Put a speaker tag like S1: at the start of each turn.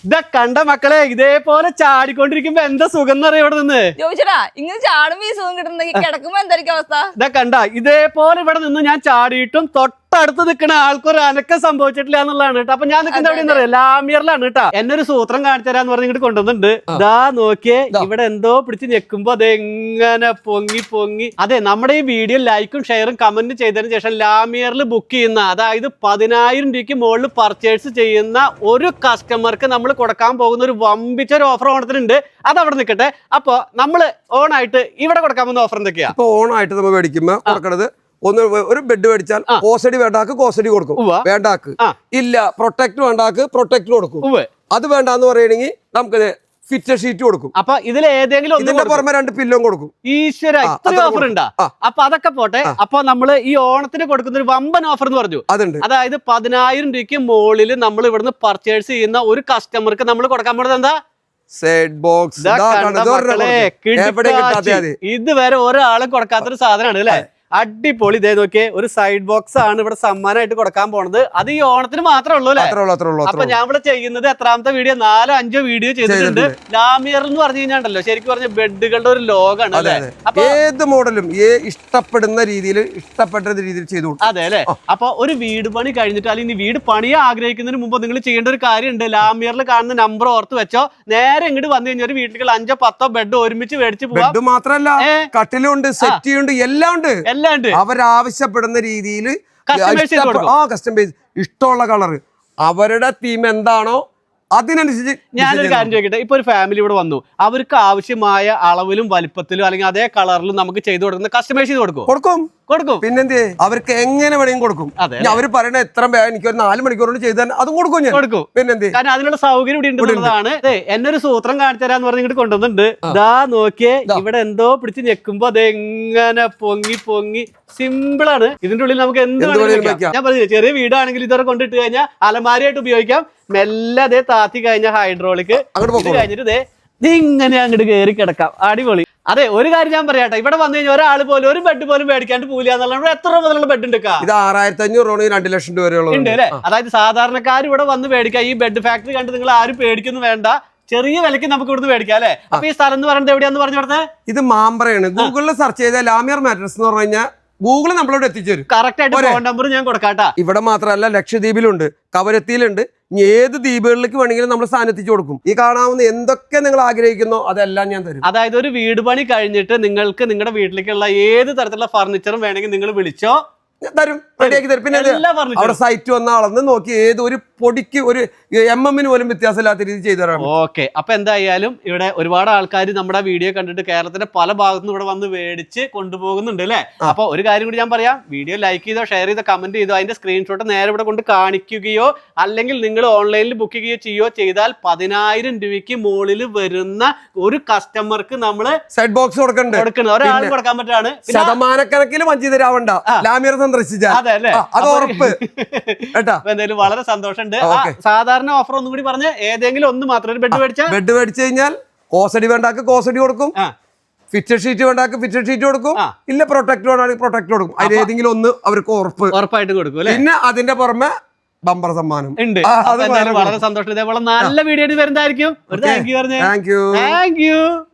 S1: ഇതാ കണ്ട മക്കളെ, ഇതേപോലെ ചാടിക്കൊണ്ടിരിക്കുമ്പോ എന്താ സുഖം എന്നറിയാം ഇവിടെ നിന്ന്.
S2: ചോദിച്ചടാ, ഇങ്ങനെ ചാടുമ്പോ ഈ സുഖം കിട്ടുന്നെങ്കിൽ കിടക്കുമ്പോ എന്തായിരിക്കും അവസ്ഥ?
S1: ഇതാ കണ്ട, ഇതേപോലെ ഇവിടെ നിന്ന് ഞാൻ ചാടിയിട്ടും തൊട്ടടുത്ത് നിൽക്കുന്ന ആൾക്കൊരു അനക്കം സംഭവിച്ചിട്ടില്ല എന്നുള്ളതാണ് കേട്ടോ. അപ്പൊ ഞാൻ നിൽക്കുന്ന എവിടെയെന്ന് അറിയാം, ലാമിയറിലാണ് കേട്ടോ. എന്നെ ഒരു സൂത്രം കാണിച്ചു തരാന്ന് പറഞ്ഞ് ഇങ്ങോട്ട് കൊണ്ടുവന്നിട്ടുണ്ട്. ഇതാ നോക്കിയേ, ഇവിടെ എന്തോ പിടിച്ച് ഞെക്കുമ്പോ അതെങ്ങനെ പൊങ്ങി പൊങ്ങി. അതെ, നമ്മുടെ ഈ വീഡിയോ ലൈക്കും ഷെയറും കമന്റും ചെയ്തതിനു ശേഷം ലാമിയറിൽ ബുക്ക് ചെയ്യുന്ന, അതായത് 10,000 രൂപയ്ക്ക് മുകളിൽ പർച്ചേസ് ചെയ്യുന്ന ഒരു കസ്റ്റമർക്ക് നമ്മൾ കൊടുക്കാൻ പോകുന്ന ഒരു വമ്പിച്ച ഒരു ഓഫർ ഓണത്തിനുണ്ട്. അത് അവിടെ നിൽക്കട്ടെ. അപ്പൊ നമ്മള് ഓണായിട്ട് ഇവിടെ കൊടുക്കാൻ പോകുന്ന ഓഫർ എന്തൊക്കെയാ?
S3: ഇപ്പൊ ഓണായിട്ട് നമ്മൾ മേടിക്കുമ്പോ കൊടുക്കണത് ഒരു ബെഡ് മേടിച്ചാൽ കോസടി വേണ്ടാക്ക് കോസടി കൊടുക്കും, വേണ്ടാക്ക് ഇല്ല പ്രൊട്ടക്ട് വേണ്ടാക്ക് പ്രൊട്ടക്ട് കൊടുക്കും. അത് വേണ്ടാന്ന് പറയണെങ്കിൽ നമുക്ക് ഫിറ്റ് ഷീറ്റ് കൊടുക്കും.
S1: അപ്പൊ ഇതിൽ ഏതെങ്കിലും
S3: ഇതിന്റെ പുറമെ 2 പില്ലും കൊടുക്കും.
S1: ഈശ്വര, ഇത്രയും ഓഫർ ഉണ്ടാ? അപ്പൊ അതൊക്കെ പോട്ടെ. അപ്പൊ നമ്മള് ഈ ഓണത്തിന് കൊടുക്കുന്ന ഒരു വമ്പൻ ഓഫർ എന്ന് പറഞ്ഞു, അതുണ്ട്. അതായത് 10,000 രൂപയ്ക്ക് മുകളിൽ നമ്മൾ ഇവിടുന്ന് പർച്ചേസ് ചെയ്യുന്ന ഒരു കസ്റ്റമർക്ക് നമ്മൾ കൊടുക്കാൻ പോകുന്നത് എന്താ?
S3: Set box.
S1: ഇതുവരെ ഒരാളും കൊടുക്കാത്തൊരു സാധനമാണ് അല്ലെ? അടിപൊളി. ഇതേ നോക്കിയേ, ഒരു സൈഡ് ബോക്സ് ആണ് ഇവിടെ സമ്മാനമായിട്ട് കൊടുക്കാൻ പോണത്. അത് ഈ ഓണത്തിന് മാത്രമേ ഉള്ളൂ അല്ലെ? അപ്പൊ ഞാൻ ഇവിടെ ചെയ്യുന്നത് എത്രാമത്തെ വീഡിയോ? 4-5 വീഡിയോ ചെയ്തിട്ടുണ്ട്. ലാമിയർ എന്ന് പറഞ്ഞു കഴിഞ്ഞാണ്ടല്ലോ, ശരിക്കും പറഞ്ഞ ബെഡുകളുടെ ഒരു ലോകാണ് അല്ലെ?
S3: ഏത് മോഡലും ഇഷ്ടപ്പെടുന്ന രീതിയിൽ ചെയ്തു.
S1: അതെ അല്ലെ? അപ്പൊ ഒരു വീട് പണി കഴിഞ്ഞിട്ട് അല്ലെങ്കിൽ വീട് പണിയെ ആഗ്രഹിക്കുന്നതിന് മുമ്പ് നിങ്ങൾ ചെയ്യേണ്ട ഒരു കാര്യമുണ്ട്. ലാമിയറിൽ കാണുന്ന നമ്പർ ഓർത്ത് വെച്ചോ. നേരെ ഇങ്ങോട്ട് വന്നു കഴിഞ്ഞാൽ ഒരു വീട്ടിൽ 5-10 ബെഡ് ഒരുമിച്ച് മേടിച്ച് പോകാം.
S3: ബെഡ് മാത്രല്ല, കട്ടിലുണ്ട്, സെറ്റിയുണ്ട്, എല്ലാം ഉണ്ട്. അവരാവശ്യപ്പെടുന്ന രീതിയിൽ കസ്റ്റമൈസ്, ഇഷ്ടമുള്ള കളർ, അവരുടെ തീം എന്താണോ അതിനനുസരിച്ച്.
S1: ഞാനൊരു കാര്യം ചോദിക്കട്ടെ, ഇപ്പൊ ഒരു ഫാമിലി ഇവിടെ വന്നു, അവർക്ക് ആവശ്യമായ അളവിലും വലിപ്പത്തിലും അല്ലെങ്കിൽ അതേ കളറിലും നമുക്ക് ചെയ്തു കൊടുക്കുന്ന കസ്റ്റമൈസ് ചെയ്ത് കൊടുക്കും.
S3: പിന്നെന്തേ, അവർക്ക് എങ്ങനെ വേണമെങ്കിലും കൊടുക്കും. അവര് പറയണ എത്ര എനിക്കൊരു 4 മണിക്കൂർ കൊണ്ട് ചെയ്താൽ അതും കൊടുക്കും ഞാൻ. പിന്നെന്തേ,
S1: കാരണം അതിനുള്ള സൗകര്യം ഇവിടെ ഉണ്ടെന്നുള്ളതാണ്. എന്നൊരു സൂത്രം കാണിച്ചു തരാന്ന് പറഞ്ഞ് ഇങ്ങോട്ട് കൊണ്ടുവന്നിട്ടുണ്ട്. ഇതാ നോക്കിയേ, ഇവിടെ എന്തോ പിടിച്ച് ഞെക്കുമ്പോ അതെങ്ങനെ പൊങ്ങി പൊങ്ങി. സിമ്പിൾ ആണ്. ഇതിന്റെ ഉള്ളിൽ നമുക്ക് എന്ത് ഞാൻ പറഞ്ഞു, ചെറിയ വീടാണെങ്കിൽ ഇതൊക്കെ കൊണ്ടിട്ട് കഴിഞ്ഞാൽ അലമാരിയായിട്ട് ഉപയോഗിക്കാം. മെല്ലെ അതേ താത്തി കഴിഞ്ഞ ഹൈഡ്രോളിക് കഴിഞ്ഞിട്ട് ഇങ്ങനെ അങ്ങോട്ട് കയറി കിടക്കാം. അടിപൊളി. അതെ, ഒരു കാര്യം ഞാൻ പറയാട്ടെ, ഇവിടെ വന്നു കഴിഞ്ഞാൽ ഒരാൾ പോലും ഒരു ബെഡ് പോലും മേടിക്കാണ്ട് പോവില്ല എന്നുള്ളത്. എത്ര മുതലുള്ള ബെഡ് ഉണ്ട്?
S3: ഇത് 6,500 2 ലക്ഷം രൂപ വരെയുള്ള
S1: ഉണ്ട് അല്ലെ? അതായത് സാധാരണക്കാർ ഇവിടെ വന്ന് മേടിക്കാം. ഈ ബെഡ് ഫാക്ടറി കണ്ട് നിങ്ങൾ ആരും പേടിക്കുന്നു വേണ്ട, ചെറിയ വിലക്ക് നമുക്ക് ഇവിടുന്ന് മേടിക്കാം അല്ലെ? അപ്പൊ ഈ സ്ഥലം എന്ന് പറയുന്നത് എവിടെയാന്ന് പറഞ്ഞു കൊടുത്തത്?
S3: ഇത് മാമ്പ്രയാണ്. ഗൂഗിളിൽ സെർച്ച് ചെയ്ത ലാമിയർ മാട്രസ് എന്ന് പറഞ്ഞു കഴിഞ്ഞാൽ ഗൂഗിൾ നമ്മളോട് എത്തിച്ചേരും.
S1: കറക്റ്റ് ആയിട്ട് ഫോൺ നമ്പർ ഞാൻ കൊടുക്കാട്ടാ.
S3: ഇവിടെ മാത്രമല്ല, ലക്ഷദ്വീപിലുണ്ട്, കവരത്തിയിലുണ്ട്. ഏത് ദ്വീപുകളിലേക്ക് വേണമെങ്കിലും നമ്മൾ സ്ഥാനം എത്തിച്ചു കൊടുക്കും. ഈ കാണാവുന്ന എന്തൊക്കെ നിങ്ങൾ ആഗ്രഹിക്കുന്നോ അതെല്ലാം ഞാൻ തരും.
S1: അതായത് ഒരു വീട് പണി കഴിഞ്ഞിട്ട് നിങ്ങൾക്ക് നിങ്ങളുടെ വീട്ടിലേക്കുള്ള ഏത് തരത്തിലുള്ള ഫർണിച്ചറും വേണമെങ്കിൽ നിങ്ങൾ വിളിച്ചോ,
S3: തരും, റെഡിയാക്കി തരും. പിന്നെ അവിടെ സൈറ്റ് വന്ന ആളെന്ന് നോക്കി ഏത് ഒരു പൊടിക്ക് ഒരു mm പോലും വ്യത്യാസമില്ലാത്ത രീതി ചെയ്തു തരാം.
S1: ഓക്കെ. അപ്പൊ എന്തായാലും ഇവിടെ ഒരുപാട് ആൾക്കാർ നമ്മുടെ വീഡിയോ കണ്ടിട്ട് കേരളത്തിന്റെ പല ഭാഗത്തുനിന്ന് ഇവിടെ വന്ന് മേടിച്ച് കൊണ്ടുപോകുന്നുണ്ട് അല്ലെ? അപ്പൊ ഒരു കാര്യം കൂടി ഞാൻ പറയാം, വീഡിയോ ലൈക്ക് ചെയ്തോ, ഷെയർ ചെയ്തോ, കമന്റ് ചെയ്തോ, അതിന്റെ സ്ക്രീൻഷോട്ട് നേരെ ഇവിടെ കൊണ്ട് കാണിക്കുകയോ അല്ലെങ്കിൽ നിങ്ങൾ ഓൺലൈനിൽ ബുക്ക് ചെയ്യുകയോ ചെയ്താൽ 10,000 രൂപയ്ക്ക് മുകളിൽ വരുന്ന ഒരു കസ്റ്റമർക്ക് നമ്മള്
S3: സെറ്റ് ബോക്സ് കൊടുക്കുന്നത്.
S1: ഒരാൾ കൊടുക്കാൻ പറ്റാണ്.
S3: ശതമാനക്കണക്കിൽ വഞ്ചി തരാവണ്ട. ലാമിയർ സന്ദർശിച്ചാൽ
S1: അതെ അല്ലേ?
S3: അത് ഉറപ്പ്.
S1: എന്തായാലും വളരെ സന്തോഷമുണ്ട്. സാധാരണ ഓഫർ ഒന്നും കൂടി പറഞ്ഞ്, ഏതെങ്കിലും ഒന്ന് മാത്രം ഒരു ബെഡ്
S3: മേടിച്ചു കഴിഞ്ഞാൽ കോസടി വേണ്ടാക്ക് കോസടി കൊടുക്കും, ഫിറ്റഡ് ഷീറ്റ് വേണ്ടാക്ക് ഫിറ്റഡ് ഷീറ്റ് കൊടുക്കും, ഇല്ല പ്രൊട്ടക്ട് വേണമെങ്കിൽ പ്രൊട്ടക്ട് കൊടുക്കും. അതിൽ ഏതെങ്കിലും ഒന്ന് അവർക്ക്
S1: ഉറപ്പായിട്ട് കൊടുക്കും.
S3: പിന്നെ അതിന്റെ പുറമെ ബമ്പർ സമ്മാനം
S1: ഉണ്ട്. വളരെ സന്തോഷം. ഇതേപോലെ നല്ല വീഡിയോ വരുന്നതായിരിക്കും.
S3: Thank U.